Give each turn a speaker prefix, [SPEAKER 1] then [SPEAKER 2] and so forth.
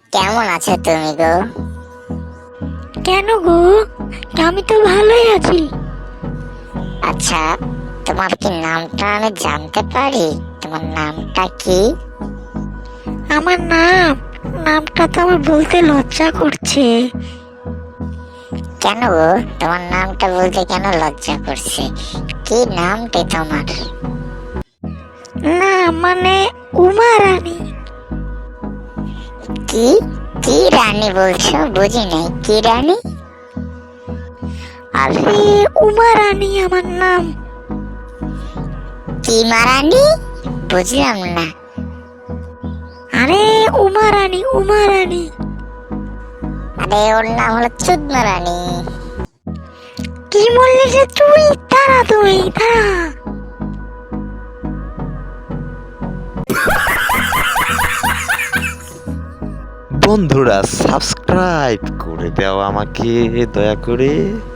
[SPEAKER 1] কেমন আছো তুমি গো?
[SPEAKER 2] কেন গো? আমি তো ভালোই আছি।
[SPEAKER 1] আচ্ছা, তোমার কি নামটা আমি জানতে পারি? তোমার নামটা কি?
[SPEAKER 2] আমার নামটা তো আমার বলতে লজ্জা করছে।
[SPEAKER 1] কেন গো, তোমার নামটা বলতে কেন লজ্জা করছে? কি নামটি তোমার?
[SPEAKER 2] না মানে উমা রানী।
[SPEAKER 1] কি কি রানী বলছো? বুঝি নাই, কি রানী?
[SPEAKER 2] আরে উমা রানী আমার নাম।
[SPEAKER 1] কি মারানি? বুঝলাম না।
[SPEAKER 2] আরে উমা রানী, উমা রানী।
[SPEAKER 1] আরে ওর নাম হলো চুদমা রানী।
[SPEAKER 2] কি বললি যে তুই? তারা তুই তারা।
[SPEAKER 3] বন্ধুরা সাবস্ক্রাইব করে দাও আমাকে দয়া করে।